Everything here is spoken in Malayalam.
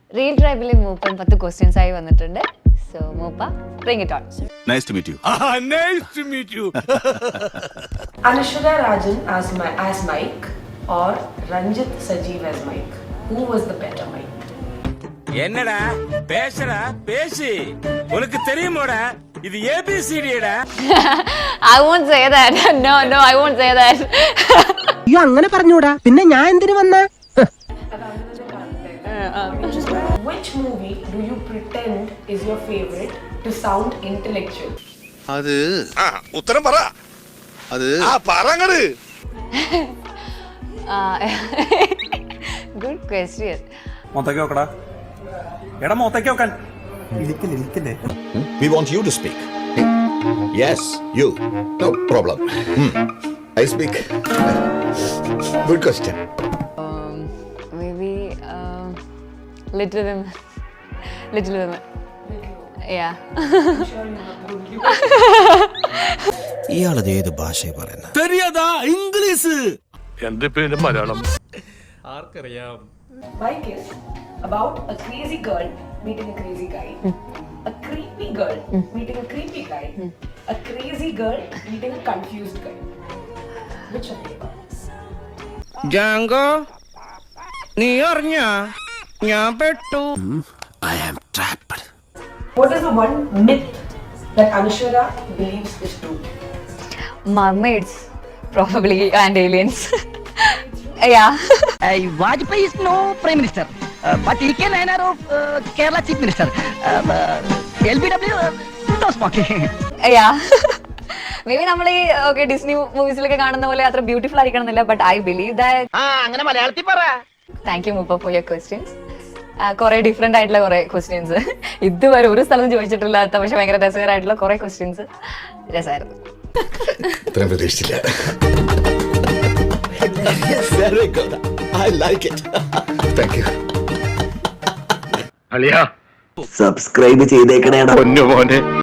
റീൽ ട്രൈബിലെ മൂപ്പൻ 10 ക്വസ്റ്റ്യൻസ് ആയി വന്നിട്ടുണ്ട്. സോ മൂപ്പ bring it on. Nice to meet you. Nice to meet you. Anushka Rajan as Mike or Ranjit Sajeev as Mike? Who was the better Mike? என்னடா பேசுடா பேசி உனக்கு தெரியுமோடா இது ABCDடா. I won't say that. No, I won't say that. അയ്യോ അങ്ങനെ പറഞ്ഞൂടാ, പിന്നെ ഞാൻ എന്തിനു വന്ന? Which movie do you pretend is your favorite to sound intellectual? അത് ഉത്തരം പറ. അത് പറങ്ങട്. Good question. മോത്തേക്ക് നോക്കടാ. എടാ മോത്തേക്ക് നോക്കാൻ. ഇരിക്കില്ലേ. We want you to speak. Yes, you. No problem. I speak. Good question. Maybe Little Women. Little Women. Yeah. ഇയാളത് ഏത് ഭാഷയെ പറയുന്നത്? தெரியாதா ഇംഗ്ലീഷ്? എന്റെ പേര് Malayalam. Mike is about a crazy girl meeting a crazy guy, a creepy girl meeting a creepy guy, a crazy girl meeting a confused guy. Which of them? Jango നീ അറിഞ്ഞ ഞാൻ പെട്ടു. I am trapped. What is the one myth that Anushka believes is true? Mermaids, probably, and aliens. Yeah. Vajpayee is no prime minister, but he can honor of Kerala chief minister. LBW no smoking. Yeah. Maybe നമ്മൾ ഈ ഓക്കെ ഡിസ്നി മൂവീസിലൊക്കെ കാണുന്ന പോലെ അത്ര ബ്യൂട്ടിഫുൾ ആയിരിക്കണം എന്നില്ല, ബട്ട് ഐ ബിലീവ് ദാറ്റ്. അങ്ങനെ മലയാളത്തിൽ പറ. താങ്ക് യു മൂപ്പ ഫോർ യുവർ ക്വസ്റ്റ്യൻസ്. കുറെ ഡിഫറെന്റ് ആയിട്ടുള്ള കുറെ ക്വസ്റ്റ്യൻസ്, ഇതുവരെ ഒരു സ്ഥലം ചോദിച്ചിട്ടില്ലാത്ത പക്ഷെ ഭയങ്കര രസകരമായിട്ടുള്ള കുറെ ക്വസ്റ്റ്യൻസ്. രസമായിരുന്നു. ഇത്രയും പ്രതീക്ഷിച്ചില്ല. Very good. I like it. Thank you. അളിയാ സബ്സ്ക്രൈബ് ചെയ്തേക്കണേടാ. പൊന്നു മോനെ.